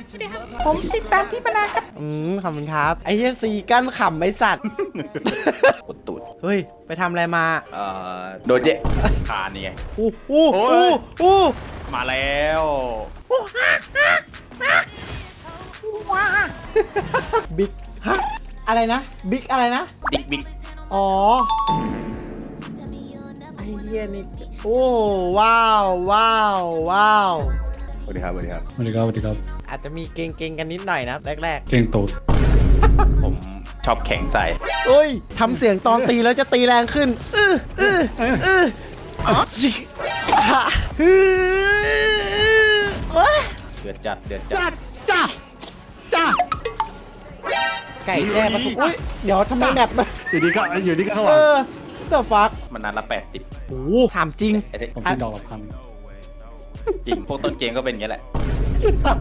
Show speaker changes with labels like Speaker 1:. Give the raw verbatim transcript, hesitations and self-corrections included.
Speaker 1: ผมติดตามพี่มานานครับอืมขอบคุณครับไอ้เหี้ยซีกั้นขำไอ้สัตว์
Speaker 2: กดตูด
Speaker 1: เฮ้ยไปทำอะไรมา
Speaker 2: เอ่อโดนเยะคานนี่ไง
Speaker 1: อู้อู้
Speaker 2: โอ้
Speaker 1: อู้
Speaker 2: ย
Speaker 1: อู้
Speaker 2: มาแล้ว
Speaker 1: บิ๊กฮะอะไรนะบิ๊กอะไรนะ
Speaker 2: บิ๊กบิ๊ก
Speaker 1: อ๋อไอ้เหี้ยนี่โอ้ว้าวว้าวว้าว
Speaker 2: สวัสดีครับสวัสดีครับ
Speaker 3: สวัสดีครับสวัสดีครับ
Speaker 1: อาจจะมีเก่งๆกันนิดหน่อยนะแรก
Speaker 3: เก่งตูด
Speaker 2: ผมชอบแข็งใส่
Speaker 1: ๆเอ้ยทำเสียงตอนตีแล้วจะตีแรงขึ้นอื้ออื้ออื้อจิฮะฮือเอ้ย
Speaker 2: เดือดจัดเดือดจั
Speaker 1: จ้า
Speaker 2: ด
Speaker 1: จ้าจ้าไก่แจ้มาทุกอุ้ยเดี๋ยวทำไมแบบมัน
Speaker 4: อยู่ดีก็อยู่ดีก็ข้างห
Speaker 1: เอ
Speaker 4: ลัง
Speaker 1: อเดอะฟัก
Speaker 2: มันนานละแปดสิบ
Speaker 1: โอ้โหถามจริง
Speaker 2: ไอ้เด็ก
Speaker 3: ผมซื้อดอกละพัน
Speaker 2: จริงพวกต้นเกมก็เป็นอย่างนี้ยแหละ